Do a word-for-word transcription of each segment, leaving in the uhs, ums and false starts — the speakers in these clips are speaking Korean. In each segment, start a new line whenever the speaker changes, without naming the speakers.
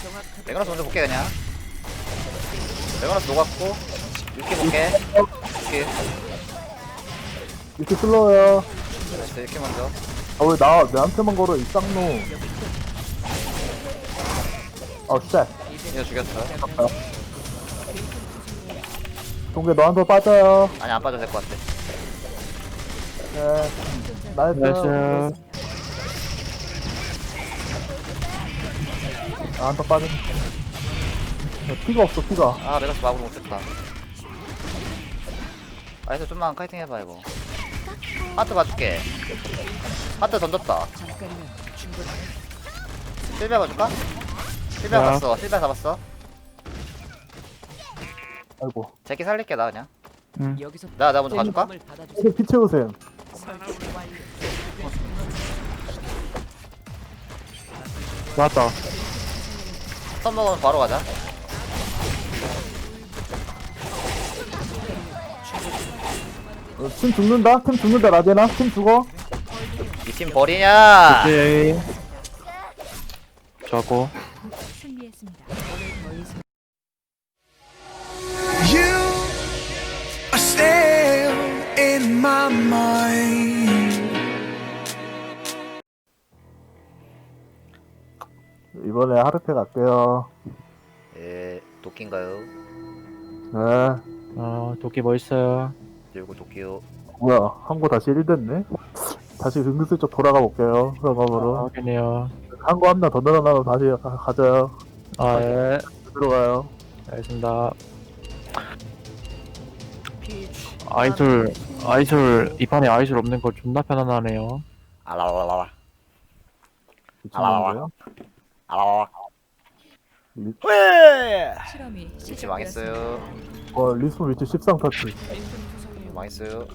레그너스 먼저 볼게 그냥. 레그너스 녹았고 이렇게 볼게. 이렇게
이렇게 슬로워요.
나이스 이렇게 먼저.
아 왜 나 내한테만 걸어 이 쌍놈. 어 쉣.
이거 죽였어.
동계 너한테 빠져요.
아니 안 빠져도 될 것 같아.
네. 나이스.
나이스.
나한테 빠져. 피가 없어 피가.
아 레그너스 마구로 못했다. 나이스 좀만 카이팅 해봐 이거. 하트 봐줄게. 하트 던졌다. 실비아 봐줄까? 실비아
야.
봤어. 실비아 잡았어.
아이고.
제끼 살릴게 나 그냥.
응.
나 나 먼저 가줄까?
이렇게 피 채우세요.
맞다.
선 먹으면 바로 가자.
어, 팀 죽는다. 팀 죽는다 라제나. 팀 죽어.
이 팀 버리냐?
오케이. 좋았고.
승리했습니다.
You are still in my mind.
이번에 하르페 갈게요.
예, 도끼인가요?
네.
어, 도끼 뭐 있어요?
들고 도끼요.
뭐야 한거 다시 일 됐네. 다시 은근슬쩍 돌아가 볼게요.
아,
그럼으로
확인해요.
한거 한 명 더 늘어나면 다시 가, 가져요.
아, 예.
들어가요.
알겠습니다. 아이솔, 아이솔, 이 판에 아이솔 없는 거 존나 편안하네요.
알라라라라.
미친놈이에요?
알라라라.
리,
왜?
실험이
위치
시작되었습니다.
망했어요.
어 리스폰 위치 십삼 터치.
망했어요.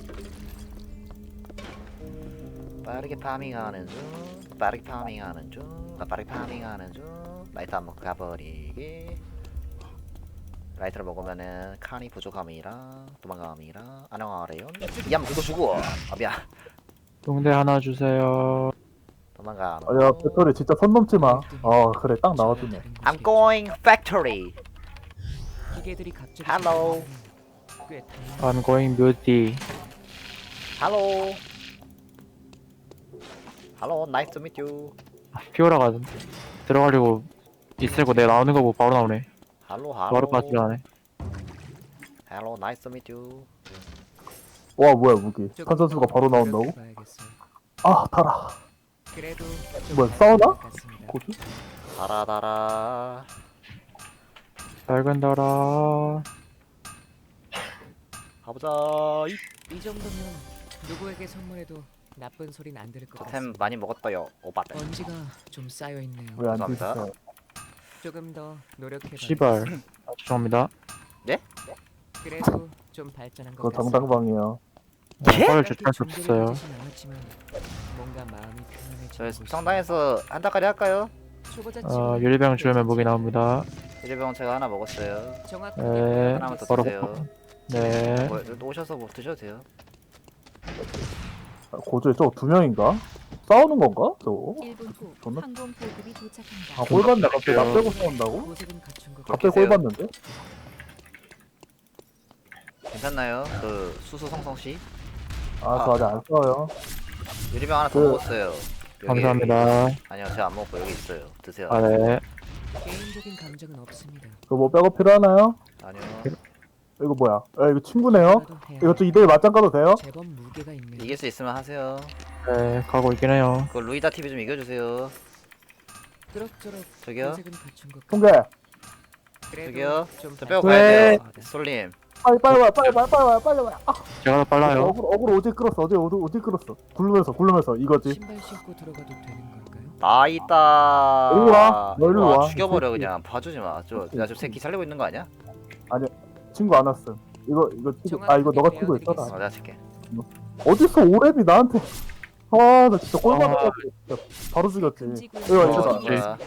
빠르게 파밍하는 중. 빠르게 파밍하는 중. 나 빠르게 파밍하는 중. 라이트 안 먹고 가버리기. 라이트를 먹으면은 칸이 부족함이라 도망감이라 안녕하래요. 이암 그거 주고. 아 미안.
동대 하나 주세요.
도망가.
아야 배터리 진짜 선 넘지 마. 어 그래 딱 나왔더니.
I'm going factory.
기계들이 갑자기
Hello.
꽤
I'm going beauty.
Hello. Hello. Nice to meet you.
피오라가 들어가려고 있을고 내가 나오는 거 보고 바로 나오네.
Hello.
바로
Hello.
빠지라네.
Hello. Nice to meet you.
와 뭐야 무기. 컨선수가 바로 나온다고? 아 달아.
그래도
뭐야 싸우나? 고수?
달아달아.
밝은 달아.
가보자. 이
이 정도면 누구에게 선물해도 나쁜 소린 안 들을 것
템
같습니다.
많이 먹었어요. 오빠들.
먼지가 좀 쌓여 있네요.
왜 안
감사합니다.
드셨어?
조금 더 노력해
씨발. 아, 죄송합니다.
그래도 좀 발전한 것
그거
같습니다.
정당방이에요.
네, 펄을
딱히
주체할 수
준비를
없었어요.
하지진 않았지만 뭔가 마음이 편안해지는
저희
곳이
성당에서 한 달까지 할까요?
초보자
어,
치고는
유리병 주면 무기 나옵니다.
일병 제가 하나 먹었어요.
정확하게
네,
하나만 더
바로
드세요.
네.
뭐, 오셔서 뭐 드셔도 돼요.
아, 고조에 저거 두 명인가? 싸우는 건가? 저거?
일 분 후
존나-
항공 보급이 도착합니다.
아 꼴봤네 갑자기 나 빼고 싸운다고?
모습은 갖춘 것
갑자기
계세요.
꼴봤는데?
괜찮나요? 그 수수 성성 씨
아 저 아직 안 싸워요.
유리병 하나 더
그-
먹었어요. 여기,
감사합니다.
여기. 아니요, 제가 안 먹고 여기 있어요. 드세요.
아, 네.
개인적인 감정은 없습니다.
그거 뭐 백업 필요하나요?
아니요.
이거 뭐야? 아 이거 친구네요?
그래도 해야
이거 저 이대일 맞짱 가도 돼요?
제법 무게가 있네요.
이길 수 있으면 하세요.
네, 가고 있긴 해요.
그 루이다 티비 좀 이겨주세요.
그럭저럭
저기요.
모습은 갖춘 것
통계
그래도
저기요.
좀
저 빼고
왜?
가야 돼요. 솔님.
빨리 빨리 와 빨리 와 빨리 와 빨리 와. 아,
제가 더 빨라요.
어글 어글 어디 끌었어 어디 어디 어디 끌었어. 굴르면서 굴르면서 이거지.
신발 신고 들어가도 되는 걸까요?
나 있다.
일로 와. 너 일로 와.
죽여버려
이 새끼.
그냥. 봐주지 마. 저, 나 저 새끼 살리고 있는 거 아니야?
친구 안 왔음. 이거 이거 치고 아 이거 너가 치고 있어라.
어, 내가 칠게.
어딨어 오랩이 나한테. 아 나 진짜 꼴
아.
받아가지고 진짜 바로 죽였지.
금지구역.
이거
어,
이거
그치.
뭐야.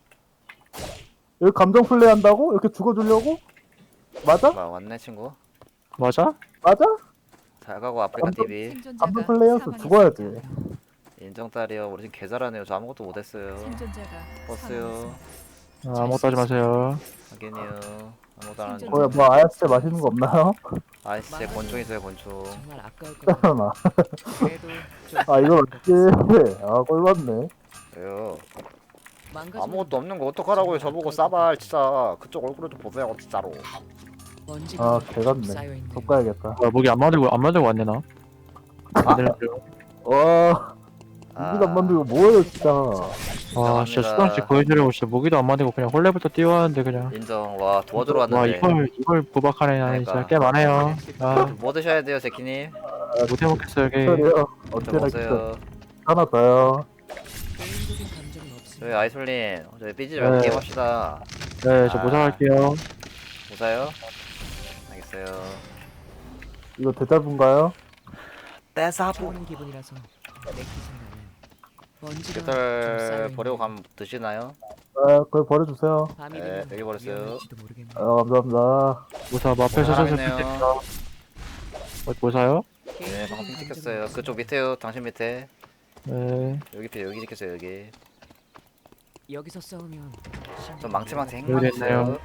여기 감정 플레이 한다고? 이렇게 죽어주려고? 맞아?
뭐야, 왔네 친구.
맞아?
맞아?
잘 가고 아프리카
감독-
티비.
감정 플레이어서 죽어야지.
인정 딸이요. 우리 지금 개 잘하네요. 저 아무것도 못했어요.
생존자가
버스요.
사망했습니다.
아, 아무것도 하지 마세요.
확인이요. 아무도 안 하는데.
거기 뭐 아야스 맛있는 거 없나요?
아이씨, 권총 있어요, 권총.
정말 아까울 것 같아.
나.
그래도 좀
아 이거 맞지? 아 꼴받네.
왜요?
망가지면
아무것도 없는 거 어떡하라고요, 저보고 싸발, 진짜. 그쪽 얼굴을 좀 보세요, 진짜로.
먼지가
아
좀
개같네.
쌓여있네요.
속 가야겠다.
아, 목이 안 만들고 안 만들고 왔네 나. 안 들렸죠?
와 무기도 안 만들고 뭐예요 진짜.
와, 진짜 수강식 보여주려고 진짜 모기도 안 만들고 그냥 홀레부터 뛰어왔는데 그냥.
인정. 와, 도와주러
와,
왔는데.
이걸 이걸 부박하네. 나 진짜
그러니까.
꽤 많아요. 아,
뭐 드셔야 돼요, 제키님?
못 해먹겠어 여기.
기다려.
저
언제나 기다려.
먹어요.
하나 더요.
개인적인 감정은 없습니다.
저희 아이솔님, 저희 삐지지 말고
네.
게임합시다.
네, 저
아.
모사할게요.
보자요? 알겠어요.
이거 대자분가요?
떼사부.
처음 기분이라서 내키진 않아요. 먼지가 좀
깃털
쌓여있네요.
버리고 가면 드시나요?
아 거기 버려주세요.
밤이
네,
되면
여기 버렸어요.
위험할지도 모르겠네요.
아 감사합니다.
모사 뭐 앞에
어,
서서
사람이네요.
어, 모사요?
네,
개인적인
방금 핑
감정은
찍혔어요.
없습니다.
그쪽 밑에요. 당신 밑에.
네.
여기 밑에 여기 찍혔어요. 여기.
여기서 싸우면
좀 망치망치
여기
행망
있네요.
있어요.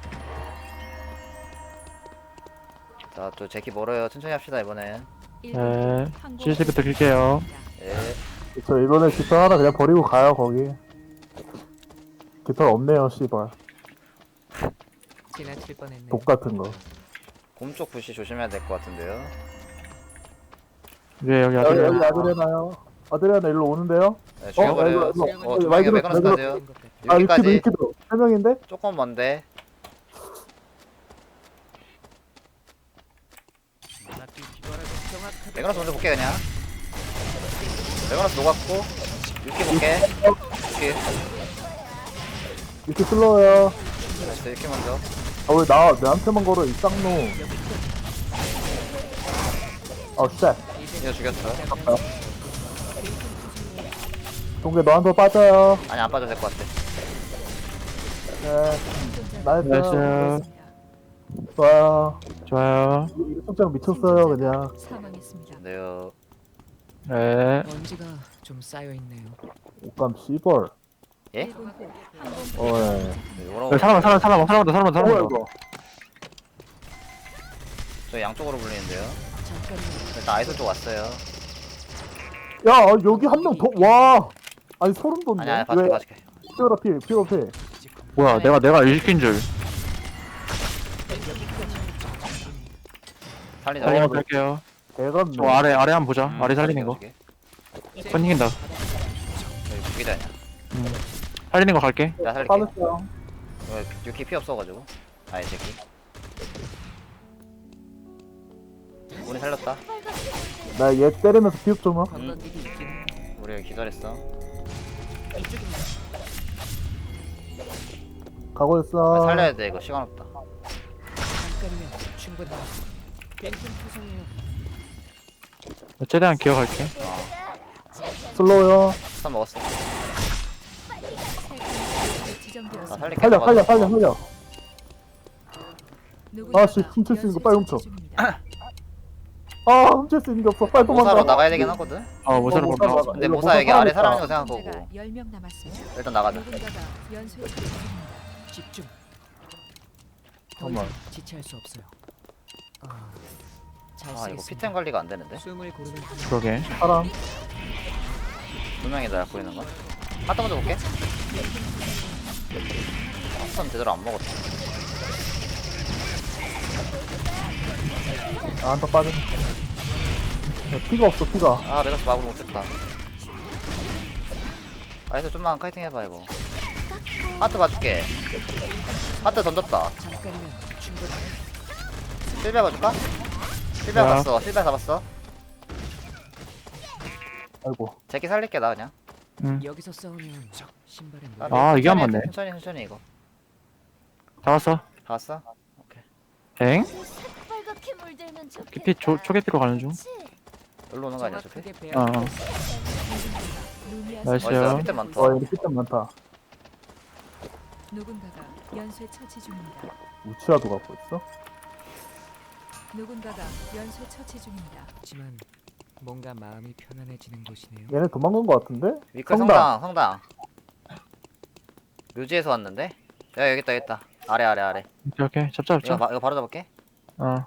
자, 또 제키 멀어요. 천천히 합시다 이번엔.
네. 씨씨부터 킬게요.
예.
저 이번에 깃털 하나 그냥 버리고 가요 거기. 깃털 없네요 씨발.
지나칠 뻔했네요.
독 같은 거.
곰쪽 부시 조심해야 될 것 같은데요.
위에 여기
여기
아들.
여기 아드레나요? 아드레나 일로 오는데요?
네, 죽여버려요.
이거,
이거,
어,
이거
두 명이
마이크로
매그너스
들고-
가세요.
아 위키도
여기까지
위키도 세 명인데?
조금 먼데. 매그너스 먼저 볼게 그냥. 매그너스 녹았고. 육기 볼게. 육기.
위키 슬로우요.
나이스, 육기 먼저.
아 왜 나 내한테만 걸어 이 쌍놈. 아 쉣.
이거 죽였어.
동계 너한테 빠져요.
아니 안 빠져도 될 것 같아.
네. 나이스.
나이스.
좋아요.
좋아요.
이 속장 미쳤어요 그냥.
사망했습니다.
네요.
네.
먼지가 좀 쌓여 있네요.
옷감 씨벌.
예?
일 분 후 항공
어 예.
네, 이거는
여기 사람 사람 사람 사람다 사람다
뭐야
사람다.
이거.
저 양쪽으로 불리는데요.
잠깐만.
일단 아이솔 쪽 왔어요.
야 아, 여기 한 명 더. 와. 아니 소름 돋네.
아니 아니 봐줄게 봐줄게.
피오라 피 피오라 피.
뭐야, 내가 내가 일 시킨 줄.
살리자.
살리면
네.
갈게요.
대감네.
저 아래 아래 한번 보자.
음,
아래 살리는 거.
살려줄게.
건 이긴다.
저기 죽이다냐.
음. 살리는 거 갈게.
내가 살릴게.
빠졌어요.
어, 유키 피 없어가지고. 아니 새끼. 우리 살렸다.
나 얘 때리면서 피흡 좀 하.
관광객이 있긴 해요.
우리 여기 기다렸어.
이쪽입니다.
가고
아,
있어.
살려야 돼 이거 시간 없다.
잠깐이면 충분해요. 뱅큼 투성이에요.
최대한 기억할게.
슬로우요.
스탄 먹었어. 나
지정되었습니다.
살릴게.
살려
먹어도.
살려 살려 살려.
누군가가
아, 씨, 훔칠 수 있는 거 빨리 훔쳐.
연쇄 처치 중입니다.
아 훔칠 수 있는 게 없어. 빨리 도망가.
모사로 나가야 되긴 하거든.
어, 모사로
어,
봐.
모사
근데
이거
모사 여기
모사
아래 사람
사람이다.
있는 거 생각한 거고.
생존자가 열 명 남았습니다.
일단 나가자.
누군가가 연쇄 처치 중입니다.
집중. 더
잠깐만.
이상 지체할 수 없어요. 아, 잘
아 이거
쓰겠습니다.
피템 관리가 안 되는데.
숨을 고르는 한
그러게.
사람.
두 명이다 약 보이는 건. 하트 먼저 볼게. 하트는 제대로 안 먹었어.
아, 한타 빠져. 야, 피가 없어 피가.
아 메가스 마구를 못했다. 아이서 좀만 카이팅 해봐 이거. 하트 봐줄게. 하트 던졌다.
잠깐이면 충분해요.
실비아 봐줄까? 실비아
뭐야?
봤어. 실비아 잡았어.
아이고.
제키 살릴게 나 그냥.
응.
여기서 싸우면 신발에
아,
물.
아, 이게 안
천천히,
맞네.
천천히 천천히 이거.
다 왔어.
다 왔어? 오케이.
엥?
빨갛게 물들면 좋겠다.
깊이 초 초계피로 가는 중.
그치?
여기로 오는 거 아니야 어차피?
정확하게
어.
배합.
어.
루미아
나이스.
어디서
있어요.
피템 많다.
어 여기 피점 많다.
누군가가 연쇄 처치 중입니다.
우치아도 갖고 있어?
누군가가 연쇄 처치 중입니다.
하지만 뭔가 마음이 편안해지는 곳이네요.
얘네 도망간 거 같은데?
위클
성당.
성당 성당. 묘지에서 왔는데? 야 여기 있다 여기 있다. 아래 아래 아래.
오케이 오케이 잡자
이거,
잡자.
바, 이거 바로 잡을게.
어.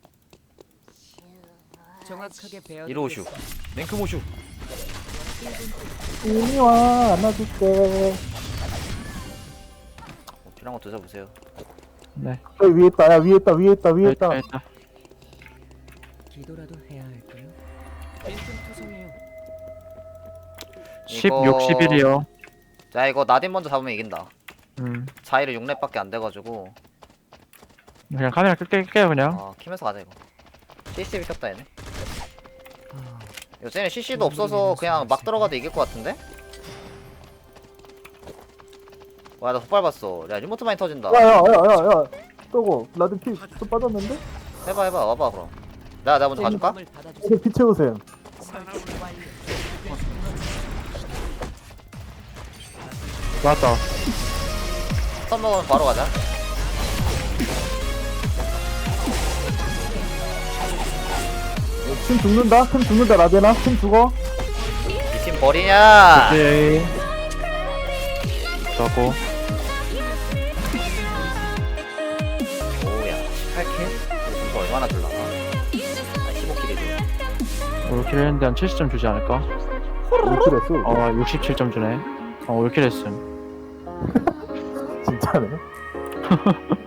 정확하게 배워.
이로우슈. 랭크모슈.
이리 와 안아줄게.
어, 필요한 거 드셔보세요.
네.
여기 위에 있다 야 위에 있다 위에 있다 위에 있다.
일단
기도라도 해야 할까요? 빈틈투성이요.
십,
이거-
육, 십일이요.
자 이거 나딘 먼저 잡으면 이긴다.
음.
자이를 육 렙밖에 안 돼가지고
그냥 카메라 끌게 끌게요 그냥.
어 키면서 가자 이거. 씨씨티비 켰다 얘네.
아,
이거 쟤네 씨씨도 없어서 그냥 막 들어가도 이길 것 같은데? 와 나 헛밟았어. 야 리모트 많이 터진다.
야야야야야 저거 라든 피또 빠졌는데?
해봐 해봐 와봐 그럼. 나 나 먼저 가줄까?
을 받아주세요.
이제 피 채우세요.
설득 완료.
맞다.
스턴 먹으면 바로 가자.
팀 죽는다? 팀 죽는다 라데나? 팀 죽어?
이 팀 버리냐?
오케이. 좋고.
오야 십팔 킬? 이거 점수 얼마나 줄라나? 아 십오 킬이지.
오 킬 했는데 한 칠십 점 주지 않을까?
일 킬 했어.
어 육십칠 점 주네. 어 오 킬 했음.
진짜네.